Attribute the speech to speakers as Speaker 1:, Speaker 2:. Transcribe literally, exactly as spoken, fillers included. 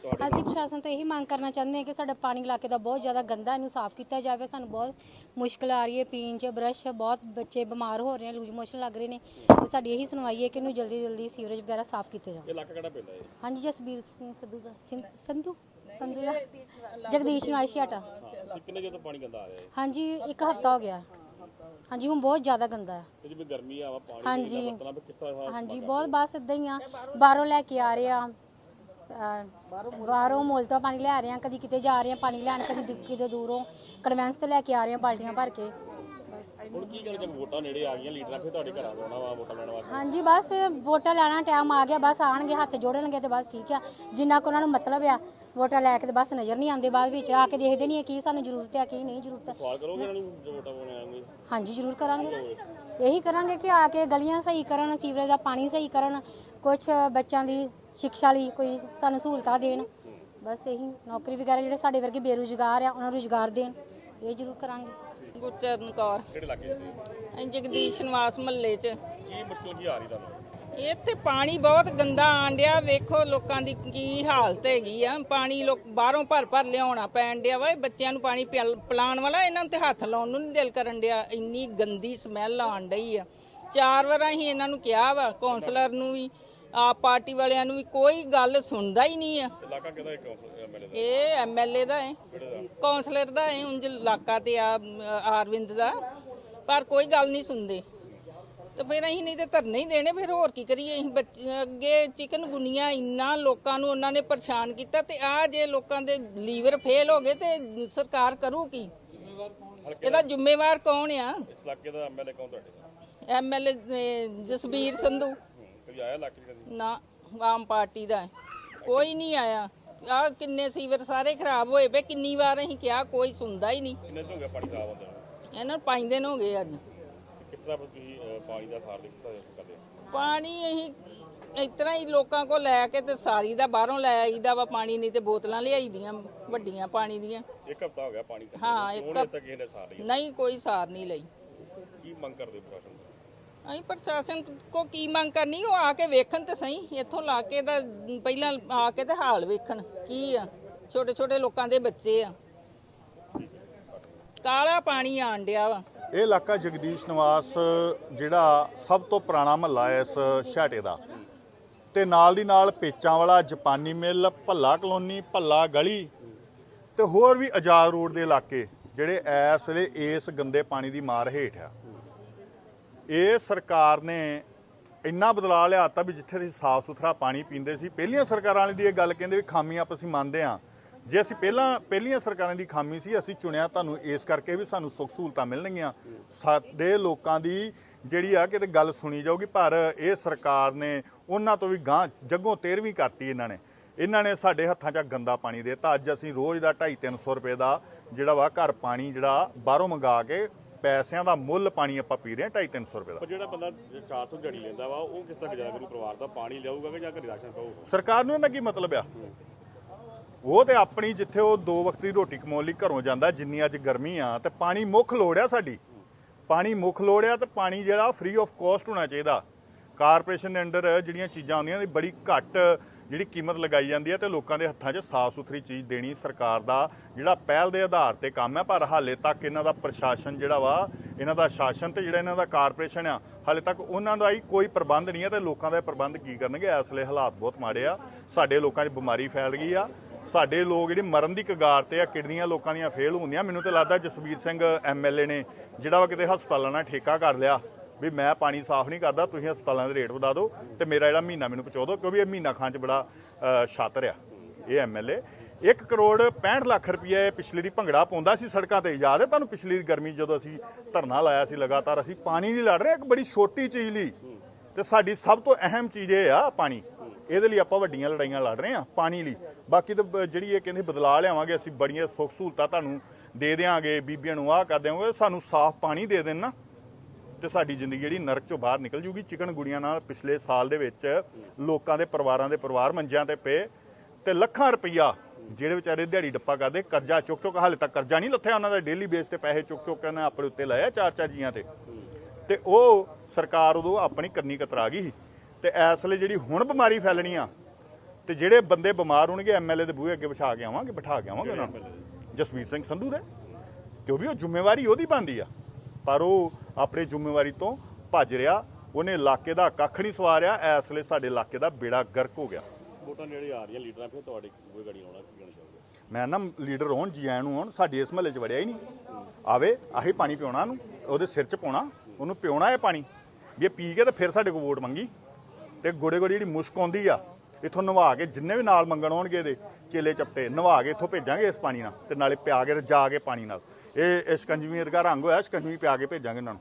Speaker 1: ਅਸੀਂ ਪ੍ਰਸ਼ਾਸਨ ਤੋਂ ਇਹੀ ਮੰਗ ਕਰਨਾ ਚਾਹੁੰਦੇ ਹਾਂ ਕਿ ਸਾਡਾ ਪਾਣੀ ਇਲਾਕੇ ਦਾ ਬਹੁਤ ਜ਼ਿਆਦਾ ਗੰਦਾ, ਇਹਨੂੰ ਸਾਫ਼ ਕੀਤਾ ਜਾਵੇ। ਸਾਨੂੰ ਬਹੁਤ ਮੁਸ਼ਕਿਲ ਆ ਰਹੀ ਹੈ ਪੀਣ 'ਚ, ਬਰਸ਼ ਬਹੁਤ ਬੱਚੇ ਬਿਮਾਰ ਹੋ ਰਹੇ ਨੇ, ਲੂਜ ਮੋਸ਼ਨ ਲੱਗ ਰਹੇ ਨੇ। ਤੇ ਸਾਡੀ ਇਹੀ ਸੁਣਵਾਈ ਹੈ ਕਿ ਇਹਨੂੰ ਜਲਦੀ ਜਲਦੀ ਸੀਵਰੇਜ ਵਗੈਰਾ ਸਾਫ਼ ਕੀਤੇ ਜਾਣ।
Speaker 2: ਇਲਾਕਾ ਕਿਹੜਾ ਪੈਂਦਾ ਹੈ?
Speaker 1: ਹਾਂਜੀ, ਜਸਬੀਰ ਸਿੰਘ ਸੰਧੂ ਦਾ ਸੰਧੂ ਸੰਧੂ ਦਾ ਜਗਦੀਸ਼ ਨਿਵਾਸੀ ਹਾਟਾ।
Speaker 2: ਕਿੰਨੇ ਜਦੋਂ ਪਾਣੀ ਗੰਦਾ ਆ ਰਿਹਾ ਹੈ?
Speaker 1: ਹਾਂਜੀ, ਇੱਕ ਹਫ਼ਤਾ ਹੋ ਗਿਆ। ਹਾਂਜੀ, ਹੁਣ ਬਹੁਤ ਜ਼ਿਆਦਾ ਗੰਦਾ ਹੈ।
Speaker 2: ਤੇ ਜਿਵੇਂ ਗਰਮੀ ਆ ਵਾ ਪਾਣੀ
Speaker 1: ਹਾਂਜੀ
Speaker 2: ਦਾ ਮਤਲਬ ਕਿਸ ਤਰ੍ਹਾਂ?
Speaker 1: ਹਾਂਜੀ, ਬਹੁਤ ਬਸ ਇਦਾਂ ਹੀ ਆ, ਬਾਹਰੋਂ ਲੈ ਕੇ ਆ ਰਹੇ ਆ, ਬਾਹਰੋਂ ਮੁੱਲ ਤੋਂ ਪਾਣੀ ਲੈ ਰਹੇ ਆ, ਕਦੀ ਕਿਤੇ ਜਾ ਰਹੇ ਆ ਪਾਣੀ ਲੈਣ, ਕਦੀ ਕਿਤੇ ਦੂਰੋਂ ਕਨਵੈਂਸ ਤੇ ਲੈ ਕੇ ਆ ਰਹੇ ਆ ਬਾਲਟੀਆਂ ਭਰ ਕੇ।
Speaker 2: ਹੁਣ ਕੀ ਕਰੇ, ਜਦ ਵੋਟਾਂ ਨੇੜੇ ਆ ਗਈਆਂ, ਲੀਡਰਾਂ ਫਿਰ ਤੁਹਾਡੇ ਘਰਾਂ ਆਉਣਾ ਵਾ ਵੋਟਾਂ ਲੈਣ ਵਾਸਤੇ?
Speaker 1: ਹਾਂਜੀ, ਬਸ ਵੋਟਾਂ ਲੈਣਾ ਟਾਈਮ ਆ ਗਿਆ, ਬਸ ਆਣਗੇ, ਹੱਥ ਜੋੜਨਗੇ ਤੇ ਬਸ ਠੀਕ ਆ। ਜਿੰਨਾ ਕੁ ਉਹਨਾਂ ਨੂੰ ਮਤਲਬ ਆ ਵੋਟਾਂ ਲੈ ਕੇ ਤੇ ਬਸ ਨਜ਼ਰ ਨਹੀਂ ਆਉਂਦੇ, ਬਾਅਦ ਵਿੱਚ ਆ ਕੇ ਦੇਖਦੇ ਨਹੀਂ ਕੀ ਸਾਨੂੰ ਜ਼ਰੂਰਤ ਹੈ ਕੀ ਨਹੀਂ ਜ਼ਰੂਰਤ।
Speaker 2: ਸਵਾਲ ਕਰੋਗੇ ਇਹਨਾਂ ਨੂੰ ਜੋ ਵੋਟਾਂ ਪਾਉਣ ਆਉਂਗੇ?
Speaker 1: ਹਾਂਜੀ, ਜ਼ਰੂਰ ਕਰਾਂਗੇ। ਇਹੀ ਕਰਾਂਗੇ ਕਿ ਆ ਕੇ ਗਲੀਆਂ ਸਹੀ ਕਰਨ, ਸੀਵਰੇਜ ਦਾ ਪਾਣੀ ਸਹੀ ਕਰਨ, ਕੁਛ ਬੱਚਿਆਂ ਦੀ ਸਿੱਖਿਆ ਲਈ ਕੋਈ ਸਾਨੂੰ ਸਹੂਲਤਾਂ ਦੇਣ। ਬਸ ਇਹੀ, ਨੌਕਰੀ ਵਗੈਰਾ ਜਿਹੜੇ ਸਾਡੇ ਵਰਗੇ ਬੇਰੁਜ਼ਗਾਰ ਆ ਉਹਨਾਂ ਨੂੰ ਰੁਜ਼ਗਾਰ ਦੇਣ, ਇਹ ਜ਼ਰੂਰ ਕਰਾਂਗੇ।
Speaker 3: ਗੁਰਚਰਨ ਕੌਰ,
Speaker 2: ਕਿਹੜੇ ਇਲਾਕੇ 'ਚ?
Speaker 3: ਅਸੀਂ ਜਗਦੀਸ਼ ਨਿਵਾਸ ਮਹੱਲੇ 'ਚ।
Speaker 2: ਕੀ ਮੁਸ਼ਕਲ ਕੀ ਆ ਰਹੀ ਤੁਹਾਨੂੰ?
Speaker 3: ਇੱਥੇ ਪਾਣੀ ਬਹੁਤ ਗੰਦਾ ਆਣ ਡਿਆ, ਵੇਖੋ ਲੋਕਾਂ ਦੀ ਕੀ ਹਾਲਤ ਹੈਗੀ ਆ। ਪਾਣੀ ਲੋਕ ਬਾਹਰੋਂ ਭਰ ਭਰ ਲਿਆਉਣਾ ਪੈਣ ਡਿਆ ਵਾ। ਬੱਚਿਆਂ ਨੂੰ ਪਾਣੀ ਪਿਲਾਉਣ ਵਾਲਾ ਇਹਨਾਂ ਨੂੰ ਤੇ ਹੱਥ ਲਾਉਣ ਨੂੰ ਨਹੀਂ ਦਿਲ ਕਰਨ ਡਿਆ, ਇੰਨੀ ਗੰਦੀ ਸਮੈਲ ਆਣ ਡਈ ਆ। ਚਾਰ ਵਾਰ ਅਸੀਂ ਇਹਨਾਂ ਨੂੰ ਕਿਹਾ ਵਾ, ਕੌਂਸਲਰ ਨੂੰ ਵੀ, ਆਪ ਪਾਰਟੀ ਵਾਲਿਆਂ ਨੂੰ ਵੀ, ਕੋਈ ਗੱਲ ਸੁਣਦਾ ਹੀ ਨਹੀਂ ਆ।
Speaker 2: ਇਲਾਕਾ ਕਿਹਦਾ ਹੈ? ਐਮਐਲਏ ਦਾ?
Speaker 3: ਇਹ ਐਮਐਲਏ ਦਾ ਹੈ, ਕੌਂਸਲਰ ਦਾ ਹੈ, ਉਂਝ ਇਲਾਕਾ ਤੇ ਆ ਆਰਵਿੰਦ ਦਾ, ਪਰ ਕੋਈ ਗੱਲ ਨਹੀਂ ਸੁਣਦੇ। ਤੇ ਫਿਰ ਅਸੀਂ ਨਹੀਂ ਤੇ ਧਰਨੇ ਹੀ ਦੇਣੇ, ਫਿਰ ਹੋਰ ਕੀ ਕਰੀਏ। ਅਸੀਂ ਬੱਚੇ ਅੱਗੇ ਚਿਕਨ ਗੁਨੀਆਂ ਇੰਨਾ ਲੋਕਾਂ ਨੂੰ ਉਹਨਾਂ ਨੇ ਪਰੇਸ਼ਾਨ ਕੀਤਾ, ਤੇ ਆ ਜੇ ਲੋਕਾਂ ਦੇ ਲੀਵਰ ਫੇਲ ਹੋ ਗਏ ਤੇ ਸਰਕਾਰ ਕਰੂ ਕੀ? ਇਹਦਾ ਜ਼ਿੰਮੇਵਾਰ ਕੌਣ ਆ?
Speaker 2: ਇਸ ਇਲਾਕੇ ਦਾ ਐਮਐਲਏ ਕੌਣ ਤੁਹਾਡੇ?
Speaker 3: ਐਮਐਲਏ ਜਸਬੀਰ ਸੰਧੂ।
Speaker 2: ਕਦੀ ਆਇਆ ਇਲਾਕੇ 'ਚ ਕਦੀ?
Speaker 3: ਨਾ, ਆਮ ਪਾਰਟੀ ਦਾ ਕੋਈ ਨਹੀਂ ਆਇਆ। ਆ ਕਿੰਨੇ ਸੀਵਰ ਸਾਰੇ ਖਰਾਬ ਹੋਏ ਪਏ, ਕਿੰਨੀ ਵਾਰ ਅਸੀਂ ਕਿਹਾ, ਕੋਈ ਸੁਣਦਾ ਹੀ ਨਹੀਂ।
Speaker 2: ਕਿੰਨੇ ਦਿਨ ਹੋ ਗਏ ਪਾਣੀ ਖਰਾਬ ਹੁੰਦੇ?
Speaker 3: ਇਹਨਾਂ ਨੂੰ ਪੰਜ ਦਿਨ ਹੋ ਗਏ ਅੱਜ।
Speaker 2: ਕਿਸ ਤਰ੍ਹਾਂ ਤੁਸੀਂ ਪਾਣੀ ਦਾ ਖਾਰ ਦਿੱਤਾ ਕਰਦੇ?
Speaker 3: ਪਾਣੀ ਅਸੀਂ ਇਸ ਤਰ੍ਹਾਂ ਹੀ ਲੋਕਾਂ ਕੋਲ ਲੈ ਕੇ ਤੇ ਸਾਰੀ ਦਾ ਬਾਹਰੋਂ ਲੈ ਆਈਦਾ ਵਾ ਪਾਣੀ, ਨਹੀਂ ਤੇ ਬੋਤਲਾਂ ਲਿਆਈ ਦੀਆਂ ਵੱਡੀਆਂ ਪਾਣੀ ਦੀਆਂ।
Speaker 2: ਇੱਕ ਹਫ਼ਤਾ ਹੋ ਗਿਆ ਪਾਣੀ ਖਤਮ।
Speaker 3: ਹਾਂ, ਇੱਕ
Speaker 2: ਤੱਕ ਕਿਸੇ ਨੇ ਸਾਰ ਨਹੀਂ
Speaker 3: ਨਹੀਂ ਕੋਈ ਸਾਰ ਨਹੀਂ ਲਈ।
Speaker 2: ਕੀ ਮੰਗ ਕਰਦੇ ਪ੍ਰਸ਼ਾਸਨ ਤੋਂ?
Speaker 3: ਅਸੀਂ ਪ੍ਰਸ਼ਾਸਨ ਕੋ ਕੀ ਮੰਗ ਕਰਨੀ, ਉਹ ਆ ਕੇ ਵੇਖਣ ਤੇ ਸਹੀ, ਇੱਥੋਂ ਲਾ ਕੇ ਤਾਂ ਪਹਿਲਾਂ ਆ ਕੇ ਤੇ ਹਾਲ ਵੇਖਣ ਕੀ ਆ। ਛੋਟੇ ਛੋਟੇ ਲੋਕਾਂ ਦੇ ਬੱਚੇ ਆ, ਕਾਲਾ ਪਾਣੀ ਆਣ ਡਿਆ ਵਾ।
Speaker 4: ਇਹ ਇਲਾਕਾ ਜਗਦੀਸ਼ ਨਿਵਾਸ ਜਿਹੜਾ ਸਭ ਤੋਂ ਪੁਰਾਣਾ ਮਹੱਲਾ ਹੈ ਇਸ ਛਾਟੇ ਦਾ, ਤੇ ਨਾਲ ਦੀ ਨਾਲ ਪੇਚਾਂ ਵਾਲਾ, ਜਾਪਾਨੀ ਮਿੱਲ, ਭੱਲਾ ਕਲੋਨੀ, ਭੱਲਾ ਗਲੀ ਤੇ ਹੋਰ ਵੀ ਆਜ਼ਾਦ ਰੋਡ ਦੇ ਇਲਾਕੇ ਜਿਹੜੇ ਇਸ ਵੇਲੇ ਇਸ ਗੰਦੇ ਪਾਣੀ ਦੀ ਮਾਰ ਹੇਠ ਆ। ਇਹ ਸਰਕਾਰ ਨੇ ਇੰਨਾ ਬਦਲਾਅ ਲਿਆਤਾ ਵੀ ਜਿੱਥੇ ਅਸੀਂ ਸਾਫ਼ ਸੁਥਰਾ ਪਾਣੀ ਪੀਂਦੇ ਸੀ, ਪਹਿਲੀਆਂ ਸਰਕਾਰਾਂ ਵਾਲੀ ਦੀ ਇਹ ਗੱਲ ਕਹਿੰਦੇ ਵੀ ਖਾਮੀਆਂ ਆਪਾਂ ਅਸੀਂ ਮੰਨਦੇ ਹਾਂ। ਜੇ ਅਸੀਂ ਪਹਿਲਾਂ ਪਹਿਲੀਆਂ ਸਰਕਾਰਾਂ ਦੀ ਖਾਮੀ ਸੀ, ਅਸੀਂ ਚੁਣਿਆ ਤੁਹਾਨੂੰ ਇਸ ਕਰਕੇ ਵੀ ਸਾਨੂੰ ਸੁੱਖ ਸਹੂਲਤਾਂ ਮਿਲਣਗੀਆਂ, ਸਾਡੇ ਲੋਕਾਂ ਦੀ ਜਿਹੜੀ ਆ ਕਿਤੇ ਗੱਲ ਸੁਣੀ ਜਾਊਗੀ। ਪਰ ਇਹ ਸਰਕਾਰ ਨੇ ਉਹਨਾਂ ਤੋਂ ਵੀ ਗਾਂਹ ਜੱਗੋਂ ਤੇਰਵੀਂ ਕਰਤੀ। ਇਹਨਾਂ ਨੇ ਇਹਨਾਂ ਨੇ ਸਾਡੇ ਹੱਥਾਂ 'ਚ ਗੰਦਾ ਪਾਣੀ ਦੇ ਦਿੱਤਾ। ਅੱਜ ਅਸੀਂ ਰੋਜ਼ ਦਾ ਢਾਈ ਤਿੰਨ ਸੌ ਰੁਪਏ ਦਾ ਜਿਹੜਾ ਵਾ ਘਰ ਪਾਣੀ ਜਿਹੜਾ ਬਾਹਰੋਂ ਮੰਗਾ ਕੇ ਪੈਸਿਆਂ ਦਾ ਮੁੱਲ ਪਾਣੀ ਆਪਾਂ ਪੀ ਰਹੇ ਹਾਂ, ਢਾਈ ਤਿੰਨ ਸੌ ਰੁਪਏ ਦਾ।
Speaker 2: ਪਰ ਜਿਹੜਾ ਬੰਦਾ ਚਾਰ ਸੌ ਦਿਹਾੜੀ ਲੈਂਦਾ ਵਾ, ਉਹ ਕਿਸ ਤਰ੍ਹਾਂ ਗੁਜ਼ਾਰਾ ਕਰੂ? ਪਰਿਵਾਰ ਦਾ ਪਾਣੀ ਲਿਆਊਗਾ ਕਿ ਜਾਂ ਘਰੇ ਰਾਸ਼ਨ ਪਾਊਗਾ?
Speaker 4: ਸਰਕਾਰ ਨੂੰ ਇਹਨਾਂ ਕੀ ਮਤਲਬ ਆ? ਉਹ ਤੇ ਆਪਣੀ ਜਿੱਥੇ ਉਹ ਦੋ ਵਕਤ ਦੀ ਰੋਟੀ ਕਮਾਉਣ ਲਈ ਘਰੋਂ ਜਾਂਦਾ, ਜਿੰਨੀ ਅੱਜ ਗਰਮੀ ਆ ਤੇ ਪਾਣੀ ਮੁੱਖ ਲੋੜ ਆ ਸਾਡੀ, ਪਾਣੀ ਮੁੱਖ ਲੋੜ ਆ, ਤੇ ਪਾਣੀ ਜਿਹੜਾ ਫ੍ਰੀ ਆਫ ਕਾਸਟ ਹੋਣਾ ਚਾਹੀਦਾ। ਕਾਰਪੋਰੇਸ਼ਨ ਦੇ ਅੰਡਰ ਜਿਹੜੀਆਂ ਚੀਜ਼ਾਂ ਆਉਂਦੀਆਂ ਨੇ ਬੜੀ ਘੱਟ ਜਿਹੜੀ ਕੀਮਤ ਲਗਾਈ ਜਾਂਦੀ ਹੈ, ਤੇ ਲੋਕਾਂ ਦੇ ਹੱਥਾਂ 'ਚ ਸਾਫ਼ ਸੁਥਰੀ ਚੀਜ਼ ਦੇਣੀ ਸਰਕਾਰ ਦਾ ਜਿਹੜਾ ਪਹਿਲ ਦੇ ਆਧਾਰ ਤੇ ਕੰਮ ਹੈ। ਪਰ ਹਾਲੇ ਤੱਕ ਇਹਨਾਂ ਦਾ ਪ੍ਰਸ਼ਾਸਨ ਜਿਹੜਾ ਵਾ, ਇਹਨਾਂ ਦਾ ਸ਼ਾਸਨ ਤੇ ਜਿਹੜਾ ਇਹਨਾਂ ਦਾ ਕਾਰਪੋਰੇਸ਼ਨ ਆ, ਹਾਲੇ ਤੱਕ ਉਹਨਾਂ ਦਾ ਹੀ ਕੋਈ ਪ੍ਰਬੰਧ ਨਹੀਂ ਹੈ। ਤੇ ਲੋਕਾਂ ਦਾ ਪ੍ਰਬੰਧ ਕੀ ਕਰਨਗੇ? ਇਸ ਵੇਲੇ ਹਾਲਾਤ ਬਹੁਤ ਮਾੜੇ ਆ, ਸਾਡੇ ਲੋਕਾਂ 'ਚ ਬਿਮਾਰੀ ਫੈਲ ਗਈ ਆ, ਸਾਡੇ ਲੋਕ ਜਿਹੜੇ ਮਰਨ ਦੀ ਕਗਾਰ ਤੇ ਆ, ਕਿਡਨੀਆਂ ਲੋਕਾਂ ਦੀਆਂ ਫੇਲ ਹੁੰਦੀਆਂ। ਮੈਨੂੰ ਤਾਂ ਲੱਗਦਾ ਜਸਬੀਰ ਸਿੰਘ ਐਮਐਲਏ ਨੇ ਜਿਹੜਾ ਵਾ ਕਿਤੇ ਹਸਪਤਾਲਾਂ ਨਾਲ ਠੇਕਾ ਕਰ ਲਿਆ ਵੀ ਮੈਂ ਪਾਣੀ ਸਾਫ਼ ਨਹੀਂ ਕਰਦਾ, ਤੁਸੀਂ ਹਸਪਤਾਲਾਂ ਦੇ ਰੇਟ ਵਧਾ ਦਿਓ ਤੇ ਮੇਰਾ ਜਿਹੜਾ ਮਹੀਨਾ ਮੈਨੂੰ ਪਹੁੰਚਾ ਦਿਓ, ਕਿਉਂਕਿ ਇਹ ਮਹੀਨਾ ਖਾਣ 'ਚ ਬੜਾ ਛਾਤਰ ਆ ਇਹ ਐਮਐਲਏ। ਇੱਕ ਕਰੋੜ ਪੈਂਹਠ ਲੱਖ ਰੁਪਏ ਪਿਛਲੇ ਦੀ ਭੰਗੜਾ ਪਾਉਂਦਾ ਸੀ ਸੜਕਾਂ ਤੇ। ਯਾਦ ਹੈ ਤੁਹਾਨੂੰ ਪਿਛਲੀ ਗਰਮੀ ਜਦੋਂ ਅਸੀਂ ਧਰਨਾ ਲਾਇਆ ਸੀ ਲਗਾਤਾਰ? ਅਸੀਂ ਪਾਣੀ ਨਹੀਂ ਲੜ ਰਹੇ ਇੱਕ ਬੜੀ ਛੋਟੀ ਚੀਜ਼ ਲਈ, ਤੇ ਸਾਡੀ ਸਭ ਤੋਂ ਅਹਿਮ ਚੀਜ਼ ਇਹ ਆ ਪਾਣੀ। ਇਹਦੇ ਲਈ ਆਪਾਂ ਵੱਡੀਆਂ ਲੜਾਈਆਂ ਲੜ ਰਹੇ ਹਾਂ ਪਾਣੀ ਲਈ। ਬਾਕੀ ਤਾਂ ਜਿਹੜੀ ਇਹ ਕਹਿੰਦੇ ਬਦਲਾਅ ਲਿਆਵਾਂਗੇ, ਅਸੀਂ ਬੜੀਆਂ ਸੁੱਖ ਸਹੂਲਤਾਂ ਤੁਹਾਨੂੰ ਦੇ ਦਿਆਂਗੇ, ਬੀਬੀਆਂ ਨੂੰ ਆਹ ਕਰ ਦਿਆਂਗੇ, ਸਾਨੂੰ ਸਾਫ਼ ਪਾਣੀ ਦੇ ਦੇਣ ਨਾ, ਤੇ ਸਾਡੀ ਜ਼ਿੰਦਗੀ ਜਿਹੜੀ ਨਰਕ ਚੋਂ ਬਾਹਰ ਨਿਕਲ ਜੂਗੀ। ਚਿਕਨ ਗੁੜੀਆਂ ਨਾਲ ਪਿਛਲੇ ਸਾਲ ਦੇ ਵਿੱਚ ਲੋਕਾਂ ਦੇ ਪਰਿਵਾਰਾਂ ਦੇ ਪਰਿਵਾਰ ਮੰਜਿਆਂ ਤੇ ਪਏ, ਤੇ ਲੱਖਾਂ ਰੁਪਈਆ ਜਿਹੜੇ ਵਿਚਾਰੇ ਦਿਹਾੜੀ ਡੱਪਾ ਕਰਦੇ, ਕਰਜ਼ਾ ਚੁੱਕ ਚੁੱਕ, ਹਾਲੇ ਤੱਕ ਕਰਜ਼ਾ ਨਹੀਂ ਲੱਥਿਆ ਉਹਨਾਂ ਦਾ, ਡੇਲੀ ਬੇਸ ਤੇ ਪੈਸੇ ਚੁੱਕ ਚੁੱਕ ਕੇ ਆਪਣੇ ਉੱਤੇ ਲਾਇਆ ਚਾਰ ਚਾਰ ਜੀਆਂ ਤੇ। ਤੇ ਉਹ ਸਰਕਾਰ ਉਦੋਂ ਆਪਣੀ ਕੰਨੀ ਕਤਰਾ ਗਈ ਸੀ। ਤੇ ਇਸ ਵੇਲੇ ਜਿਹੜੀ ਹੁਣ ਬਿਮਾਰੀ ਫੈਲਣੀ ਆ, ਤੇ ਜਿਹੜੇ ਬੰਦੇ ਬਿਮਾਰ ਹੋਣਗੇ ਐਮਐਲਏ ਦੇ ਬੂਹੇ ਅੱਗੇ ਬਿਠਾ ਕੇ ਆਵਾਂਗੇ ਬਿਠਾ ਕੇ ਆਵਾਂਗੇ ਉਹਨਾਂ ਨੂੰ, ਜਸਵੀਰ ਸਿੰਘ ਸੰਧੂ ਦੇ, ਕਿਉਂਕਿ ਉਹ ਜ਼ਿੰਮੇਵਾਰੀ ਉਹਦੀ ਬਣਦੀ ਆ, ਪਰ ਉਹ ਆਪਣੀ ਜ਼ਿੰਮੇਵਾਰੀ ਤੋਂ ਭੱਜ ਰਿਹਾ। ਉਹਨੇ ਇਲਾਕੇ ਦਾ ਕੱਖ ਨਹੀਂ ਸਵਾਰਿਆ। ਇਸ ਵੇਲੇ ਸਾਡੇ ਇਲਾਕੇ ਦਾ ਬੇੜਾ ਗਰਕ ਹੋ ਗਿਆ।
Speaker 2: ਵੋਟਾਂ ਨੇੜੇ ਆ ਰਹੀਆਂ, ਲੀਡਰਾਂ ਫਿਰ ਤੁਹਾਡੇ ਬੂਹੇ ਗਾੜੀ ਆਉਣਾ, ਕੀ ਕਹਿਣਾ ਚਾਹੋਗੇ?
Speaker 4: ਮੈਂ ਨਾ ਲੀਡਰ ਹੋਣ ਜੀ ਆਇਆਂ ਨੂੰ ਹੋਣ, ਸਾਡੇ ਇਸ ਮਹੱਲੇ 'ਚ ਵੜਿਆ ਹੀ ਨਹੀਂ। ਆਵੇ ਆਹੀ ਪਾਣੀ ਪਿਉਣਾ ਨੂੰ, ਉਹਦੇ ਸਿਰ 'ਚ ਪਾਉਣਾ, ਉਹਨੂੰ ਪਿਉਣਾ ਇਹ ਪਾਣੀ ਵੀ ਇਹ ਪੀ ਕੇ ਤੇ ਫਿਰ ਸਾਡੇ ਕੋਲ ਵੋਟ ਮੰਗੀ। ਤੇ ਗੋੜੇ ਗੋੜੀ ਜਿਹੜੀ ਮੁਸ਼ਕ ਆਉਂਦੀ ਆ ਇੱਥੋਂ ਨਵਾ ਕੇ, ਜਿੰਨੇ ਵੀ ਨਾਲ ਮੰਗਣ ਆਉਣਗੇ ਇਹਦੇ ਚੇਲੇ ਚਪਟੇ ਨਵਾ ਕੇ ਇੱਥੋਂ ਭੇਜਾਂਗੇ ਇਸ ਪਾਣੀ ਨਾਲ, ਤੇ ਨਾਲੇ ਪਿਆ ਕੇ ਰਜਾ ਕੇ ਪਾਣੀ ਨਾਲ। ਇਹ ਸ਼ਿਕੰਜਵੀ ਵਰਗਾ ਰੰਗ ਹੋਇਆ, ਸ਼ਿਕੰਜਵੀ ਪਿਆ ਕੇ ਭੇਜਾਂਗੇ ਇਹਨਾਂ ਨੂੰ।